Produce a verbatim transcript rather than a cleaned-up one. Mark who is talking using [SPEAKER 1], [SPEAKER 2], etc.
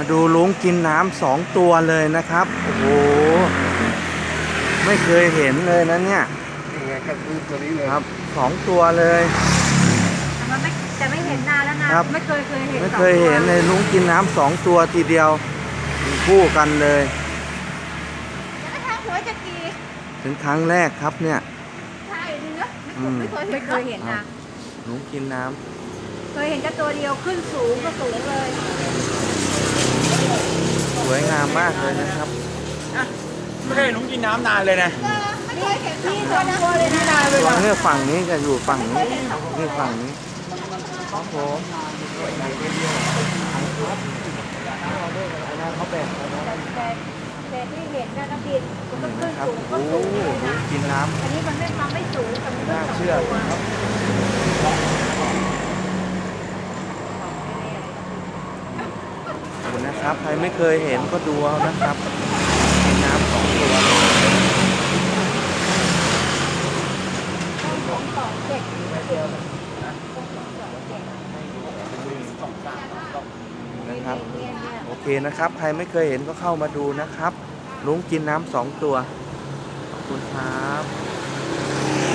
[SPEAKER 1] ดูลุงกินน้ำสองตัวเลยนะครับโอ้โหไม่เคยเห็นเลยนะเนี่ย
[SPEAKER 2] นี่ไงก็คือตัวนี้เลย
[SPEAKER 1] ครับสองตัวเลย
[SPEAKER 3] แต่มันไม่แต่ไม่เห็นนานแล้วนะครับไม่เคยเคยเห็น
[SPEAKER 1] ไม่เคยเห็นเลยลุงกินน้ำสองตัวทีเดียวคู่กันเลย
[SPEAKER 3] แล้วทางหัวจะกี
[SPEAKER 1] เป็นครั้งแรกครับเนี่ย
[SPEAKER 3] ใช่เนื้อไม่เคยไม่เคยเห็นนะ
[SPEAKER 1] ลุงกินน้ำ
[SPEAKER 3] เคยเห็นแค่ตัวเดียวขึ้นสูงก็สูงเลย
[SPEAKER 1] สวยงามมากเลยนะครับ
[SPEAKER 2] ไม่เคยเห็นลุงกินน้ำนานเลยนะ
[SPEAKER 3] ไม่เคยเห็นที่ตัวตัวเลยนะนานเลย
[SPEAKER 1] ตัวนี้ฝั่งนี้จะอยู่ฝั่งนี้นี่ฝั่งนี้ครับผมเขาแบ่ง
[SPEAKER 3] แต่แต่ที่เห็นนะน้ำดินมันก็ขึ้น
[SPEAKER 1] ครับ
[SPEAKER 3] สูงก็
[SPEAKER 1] โอ้
[SPEAKER 3] สูงเลยนะ
[SPEAKER 1] กินน้ำ
[SPEAKER 3] อันนี้มันไม่มันไม่สูงแต่มันขึ้น
[SPEAKER 1] น่า
[SPEAKER 3] สอง
[SPEAKER 1] เชื่อ
[SPEAKER 3] ตัว
[SPEAKER 1] ครับขอบคุณนะครับใครไม่เคยเห็นก็ดูเอานะครับกินน้ำสองตัว
[SPEAKER 3] ของสองเจ็ดเดียว
[SPEAKER 1] นะครับโอเคนะครับใครไม่เคยเห็นก็เข้ามาดูนะครับลุงกินน้ำสองตัวขอบคุณครับ